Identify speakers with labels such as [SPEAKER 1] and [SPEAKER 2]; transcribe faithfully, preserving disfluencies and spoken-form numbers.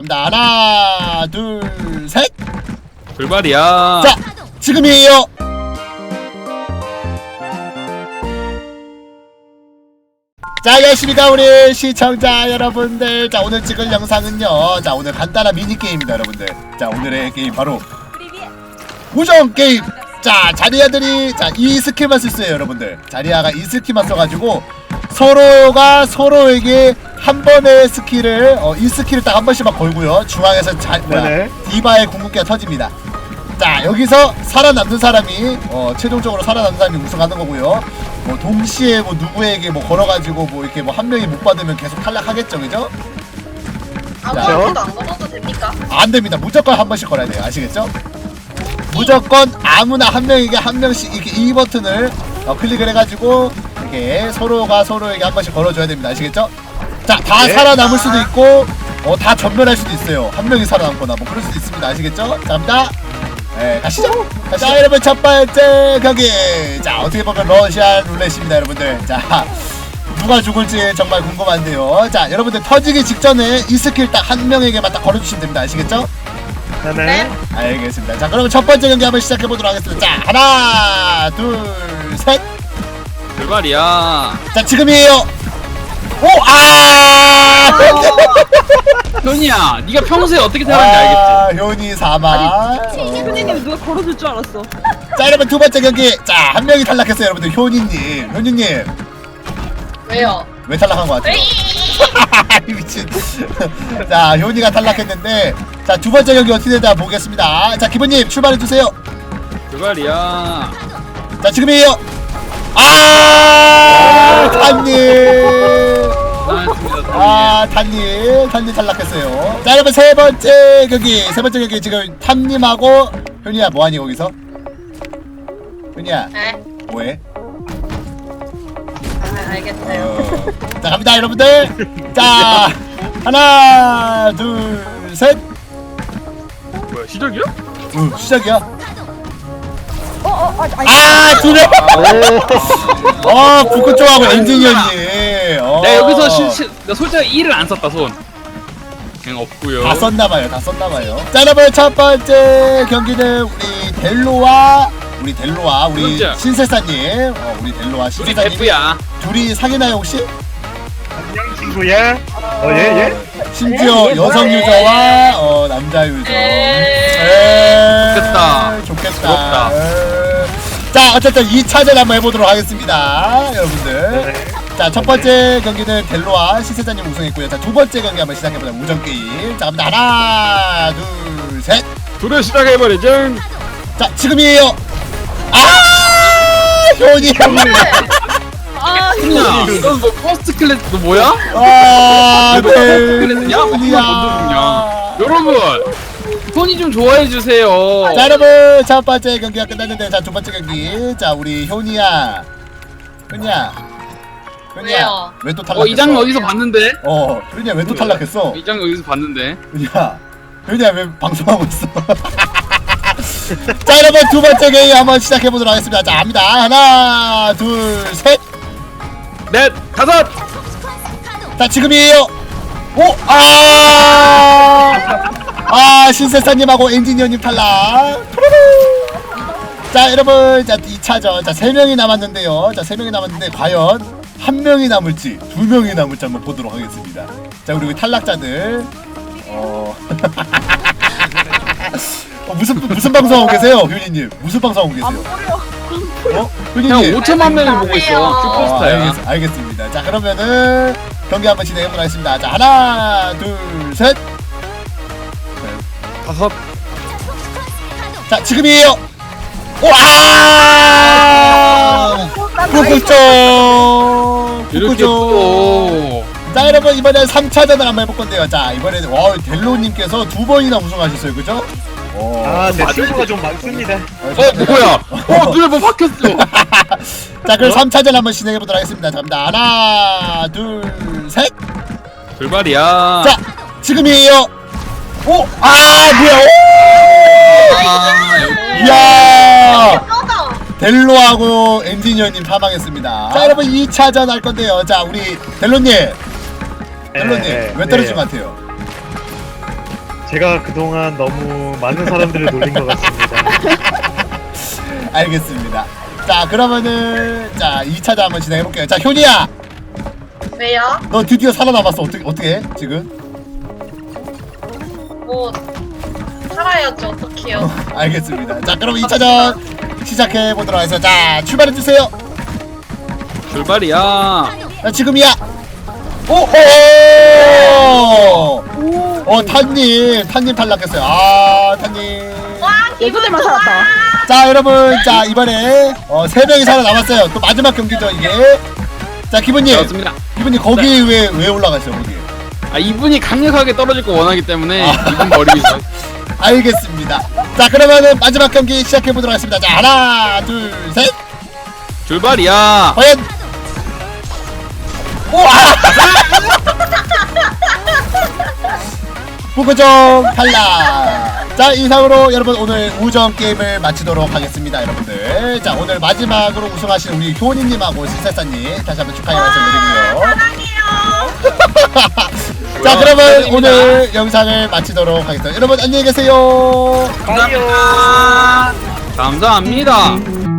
[SPEAKER 1] 하나 둘 셋.
[SPEAKER 2] 불발이야.
[SPEAKER 1] 자 지금이에요. 자 안녕하십니까 우리 시청자 여러분들. 자 오늘 찍을 영상은요, 자 오늘 간단한 미니게임입니다 여러분들. 자 오늘의 게임 바로 우정 게임. 자 자리아들이 자 이 스킬만 쓸 수 있어요 여러분들. 자리아가 이 스킬만 써가지고 서로가 서로에게 한 번의 스킬을 어, 이 스킬을 딱 한 번씩만 걸고요, 중앙에서 자, 뭐야, 디바의 궁극기가 터집니다. 자 여기서 살아남는 사람이 어, 최종적으로 살아남는 사람이 우승하는 거고요. 뭐 동시에 뭐 누구에게 뭐 걸어가지고 뭐 이렇게 뭐 한 명이 못 받으면 계속 탈락하겠죠, 그죠?
[SPEAKER 3] 아무한테도 안 걸어도 됩니까?
[SPEAKER 1] 안 됩니다. 무조건 한 번씩 걸어야 돼요. 아시겠죠? 무조건 아무나 한 명에게 한 명씩 이렇게 이 버튼을 어, 클릭을 해가지고 이렇게 서로가 서로에게 한 번씩 걸어줘야 됩니다. 아시겠죠? 자, 다
[SPEAKER 4] 네.
[SPEAKER 1] 살아남을 수도 있고 어, 다 전멸할 수도 있어요. 한 명이 살아남거나 뭐 그럴 수도 있습니다. 아시겠죠? 자, 갑니다. 네, 가시죠. 자, 여러분 첫 번째 경기. 자, 어떻게 보면 러시안 룰렛입니다, 여러분들. 자, 누가 죽을지 정말 궁금한데요. 자, 여러분들 터지기 직전에 이 스킬 딱 한 명에게만 딱 걸어주시면 됩니다. 아시겠죠?
[SPEAKER 4] 네.
[SPEAKER 1] 알겠습니다. 자, 그러면 첫 번째 경기 한번 시작해 보도록 하겠습니다. 자, 하나, 둘, 셋.
[SPEAKER 2] 불발이야.
[SPEAKER 1] 자, 지금이에요. 오, 아!
[SPEAKER 2] 현이야, 네가 평소에 어떻게 살았는지 알겠지?
[SPEAKER 1] 효니 사망.
[SPEAKER 3] 선생님 누가 걸어줄 줄 알았어.
[SPEAKER 1] 자, 여러분 두 번째 경기. 자, 한 명이 탈락했어요, 여러분들. 효니님, 효니님.
[SPEAKER 3] 왜요?
[SPEAKER 1] 왜 탈락한 것 같아요? 미친. 자, 효니가 탈락했는데, 자, 두 번째 경기 어떻게 되나 보겠습니다. 자, 기부님 출발해 주세요.
[SPEAKER 2] 불발이야.
[SPEAKER 1] 자, 지금이에요. 아, 탄님.
[SPEAKER 2] 고생하셨습니다.
[SPEAKER 1] 아, 탄님, 탄님 탈락했어요. 자, 여러분 세 번째 경기, 세 번째 경기 지금 탐님하고 효니야 뭐하니 거기서? 효니야
[SPEAKER 3] 네?
[SPEAKER 1] 뭐해?
[SPEAKER 3] 아, 알겠어요.
[SPEAKER 1] 어... 자, 갑니다 여러분들. 자, 하나, 둘, 셋.
[SPEAKER 2] 뭐야, 시작이야?
[SPEAKER 1] 어, 시작이야.
[SPEAKER 3] 아,
[SPEAKER 1] 아, 두 명. 어, 북극 쪽하고 엔지니어님. 어.
[SPEAKER 2] 내가 여기서 시, 시, 나 솔직히 일을 안 썼다 손. 그냥 없고요.
[SPEAKER 1] 다 썼나봐요, 다 썼나봐요. 자, 여러분 첫 번째 경기는 우리 델로와 우리 델로와 우리
[SPEAKER 2] 그렇죠.
[SPEAKER 1] 신세사님, 어, 우리 델로와
[SPEAKER 2] 우리
[SPEAKER 1] 신세사님
[SPEAKER 2] 대프야.
[SPEAKER 1] 둘이 사귀나요 혹시?
[SPEAKER 4] 안녕 친구야. 어, 예, 예.
[SPEAKER 1] 심지어
[SPEAKER 3] 에,
[SPEAKER 1] 여성
[SPEAKER 3] 뭐래?
[SPEAKER 1] 유저와 어, 남자 유저.
[SPEAKER 3] 에.
[SPEAKER 1] 에.
[SPEAKER 2] 좋겠다.
[SPEAKER 1] 좋겠다.
[SPEAKER 2] 부럽다.
[SPEAKER 1] 에. 자, 어쨌든 이 차전 한번 해보도록 하겠습니다, 여러분들.
[SPEAKER 4] 네.
[SPEAKER 1] 자, 첫 번째 경기는 델로와 신세사님 우승했고요. 자, 두 번째 경기 한번 시작해보자. 우정 게임. 자, 갑니다. 하나, 둘, 셋.
[SPEAKER 2] 둘을 시작해버리죠.
[SPEAKER 1] 자, 지금이에요. 아, 효니.
[SPEAKER 3] 아,
[SPEAKER 2] 현이야, 너뭐 퍼스트 클래스 너 뭐야?
[SPEAKER 1] 아,
[SPEAKER 2] 너 퍼스트 클래스냐? 뭐
[SPEAKER 1] 효니야.
[SPEAKER 2] 그만 먼저 죽냐? 여러분, 현이 좀 좋아해 주세요.
[SPEAKER 1] 자, 여러분 첫 번째 경기가 끝났는데, 자, 두 번째 경기. 자, 우리 효니야. 효니야. 효니야.
[SPEAKER 3] 왜요?
[SPEAKER 1] 왜 또 탈락했어?
[SPEAKER 2] 어, 이 장면 어디서 봤는데?
[SPEAKER 1] 어, 효니야 왜 또 탈락했어?
[SPEAKER 2] 이 장면 어디서 봤는데?
[SPEAKER 1] 효니야. 효니야 왜 방송하고 있어? 자, 여러분 두 번째 게임 한번 시작해 보도록 하겠습니다. 자, 갑니다. 하나, 둘, 셋.
[SPEAKER 2] 넷, 다섯.
[SPEAKER 1] 자, 지금이에요. 오, 아, 아, 신세사님하고 엔지니어님 탈락. 자, 여러분, 자, 이 차전, 자, 세 명이 남았는데요. 자, 세 명이 남았는데 과연 한 명이 남을지, 두 명이 남을지 한번 보도록 하겠습니다. 자, 우리 탈락자들, 어, 어 무슨 무슨 방송 하고 계세요, 효니님? 무슨 방송 하고 계세요? 어,
[SPEAKER 2] 그냥
[SPEAKER 1] 효니님?
[SPEAKER 2] 오천만 명이 보고 있어.
[SPEAKER 1] 어,
[SPEAKER 2] 슈퍼스타야.
[SPEAKER 1] 알겠, 알겠습니다. 자, 그러면은 경기 한번 진행해보도록 하겠습니다. 자, 하나, 둘, 셋.
[SPEAKER 2] 다섯.
[SPEAKER 1] 자, 지금이에요. 오, 아! 북극종!
[SPEAKER 2] 이렇게
[SPEAKER 1] 북극종!
[SPEAKER 2] 또.
[SPEAKER 1] 자, 여러분, 이번엔 삼 차전을 한번 해볼 건데요. 자, 이번에는, 와, 델로님께서 두 번이나 우승하셨어요. 그죠? 오.
[SPEAKER 4] 아, 제
[SPEAKER 2] 맞아요.
[SPEAKER 4] 친구가 좀 많습니다.
[SPEAKER 2] 어, 뭐야? 어, 눈에 뭐 박혔어.
[SPEAKER 1] 자, 그럼 삼 차전 한번 진행해보도록 하겠습니다. 자, 갑니다. 하나, 둘, 셋.
[SPEAKER 2] 불발이야.
[SPEAKER 1] 자, 지금이에요. 오, 아, 뭐야? 오!
[SPEAKER 2] 아, 여기.
[SPEAKER 1] 이야!
[SPEAKER 3] 뼈다.
[SPEAKER 1] 델로하고 엔지니어님 사망했습니다. 자, 여러분 이 차전 할 건데요. 자, 우리 델로님, 델로님
[SPEAKER 4] 네,
[SPEAKER 1] 왜
[SPEAKER 4] 네.
[SPEAKER 1] 떨어진 것 같아요?
[SPEAKER 4] 제가 그동안 너무 많은 사람들을 놀린 것 같습니다.
[SPEAKER 1] 알겠습니다. 자 그러면은 자 이 차전 한번 진행해 볼게요. 자 효니야,
[SPEAKER 3] 왜요?
[SPEAKER 1] 너 드디어 살아남았어. 어떻게 어떻게 해 지금?
[SPEAKER 3] 뭐 살아야죠. 어떡해요?
[SPEAKER 1] 알겠습니다. 자 그럼 이 차전 시작해 보도록 하겠습니다. 자 출발해 주세요.
[SPEAKER 2] 출발이야.
[SPEAKER 1] 자 지금이야. 오호. 어 탄님 탄님 탈락했어요. 아 탄님.
[SPEAKER 3] 와
[SPEAKER 5] 예고들만 살았다.
[SPEAKER 1] 자 여러분 자 이번에 어, 세 명이 살아남았어요. 또 마지막 경기죠 이게. 자 기분님
[SPEAKER 2] 그렇습니다.
[SPEAKER 1] 기분님 거기 왜 왜 올라가세요 거기?
[SPEAKER 2] 아 이분이 강력하게 떨어질 거 원하기 때문에
[SPEAKER 1] 아.
[SPEAKER 2] 이분 버리고 있어.
[SPEAKER 1] 알겠습니다. 자 그러면은 마지막 경기 시작해 보도록 하겠습니다. 자 하나 둘 셋.
[SPEAKER 2] 출발이야.
[SPEAKER 1] 과연 우와 부끄정 탈락. 자 이상으로 여러분 오늘 우정 게임을 마치도록 하겠습니다 여러분들. 자 오늘 마지막으로 우승하신 우리 효니님하고 실세사님 다시 한번 축하의 말씀드리고요. 자 그러면 오늘 영상을 마치도록 하겠습니다. 여러분 안녕히 계세요.
[SPEAKER 4] 아니요.
[SPEAKER 2] 감사합니다.